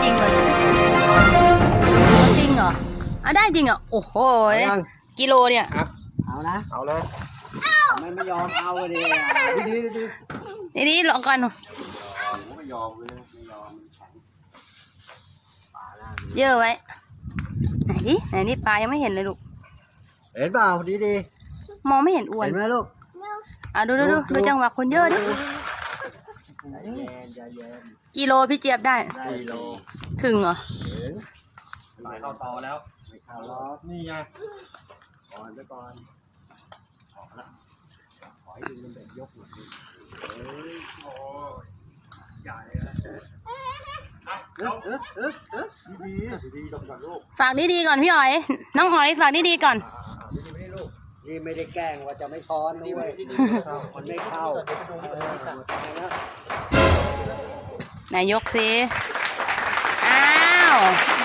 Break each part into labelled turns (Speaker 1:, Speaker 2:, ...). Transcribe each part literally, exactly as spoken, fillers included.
Speaker 1: ริงเลยจริงเหรอเอาได้จริงเหรอโอ้โหกิโลเนี่ย
Speaker 2: เอานะเอาเลยมันไม่ยอมเอาเลยดีดีดี
Speaker 1: นี่นี่ลองก่อน
Speaker 2: ไม่ยอมเลยไม่ยอม
Speaker 1: เยอะไว้ไหนดิไหนนี่ปลายังไม่เห็นเลยลูก
Speaker 2: เห็นเปล่าดีดี
Speaker 1: มองไม่เห็นอ้วน
Speaker 2: เห็นไหมลูก
Speaker 1: อ่ะดูดูดูดูจังหวะคนเยอะดิกิโลพี่เจี๊ยบได้
Speaker 2: กิโล
Speaker 1: ถึงเหรอ
Speaker 2: ไหลเข้าตอแล้วไม่เข้าล้อนี่ไงก่อนไปก่อนออกแล้วขอให้ดึงมันเด็กยกหน่อยเฮ้ยโอ้ยใหญ่แล้วเออเออเออเออดีดีดีก่อนลูก
Speaker 1: ฝากดีๆก่อนพี่อ๋อยน้องอ๋อยฝากดีๆก่อน
Speaker 2: นี่ไม่ได้แกล้งว่าจะไม่ช้อนด้วยมันไม่เข้า
Speaker 1: ไหนยกสิอ้าว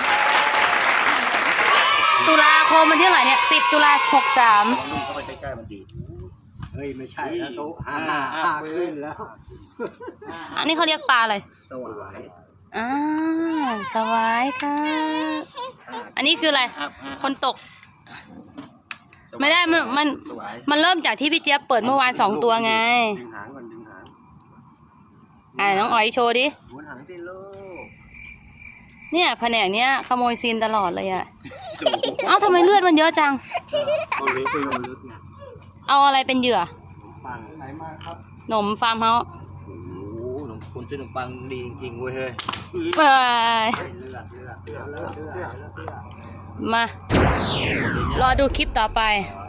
Speaker 1: ตุลาคมมันที่เท่าไหร่เนี่ยสิบตุลาหกสาม
Speaker 2: เข้าไปใกล้ๆมันดีเฮ้ยไม่ใช่แล้วตุ๊ห้าห้าขึ้นแล้ว
Speaker 1: อันนี้เขาเรียกปลาอะไร
Speaker 2: สวาย
Speaker 1: อ่าสวายค่ะอันนี้คืออะไรคนตกไม่ได้มันมันมันเริ่มจากที่พี่เจี๊ยบเปิดเมื่อวานสองตัวไง
Speaker 2: ดึงหางก่อนดึงหาง
Speaker 1: อ่าน้องอ๋อยโชว์ดิ
Speaker 2: หมุนหางสิลูก
Speaker 1: เนี่ยแผนกเนี้ยขโมยซีนตลอดเลยอะเอ้าทำไมเลือดมันเยอะจัง
Speaker 2: เอาลึกไปเอาลึกไง
Speaker 1: เอาอะไรเป็นเหยื่อ
Speaker 2: ปังไหนมาครับ
Speaker 1: หนมฟาร์มเฮาส์
Speaker 2: โอ้โหหนมคุณซื้อขนมปังดีจริงๆเว้ยเฮ้ย
Speaker 1: เอ้ย
Speaker 2: เลือดเลือดเลือดเลือดเลือด
Speaker 1: มารอดูคลิปต่อไป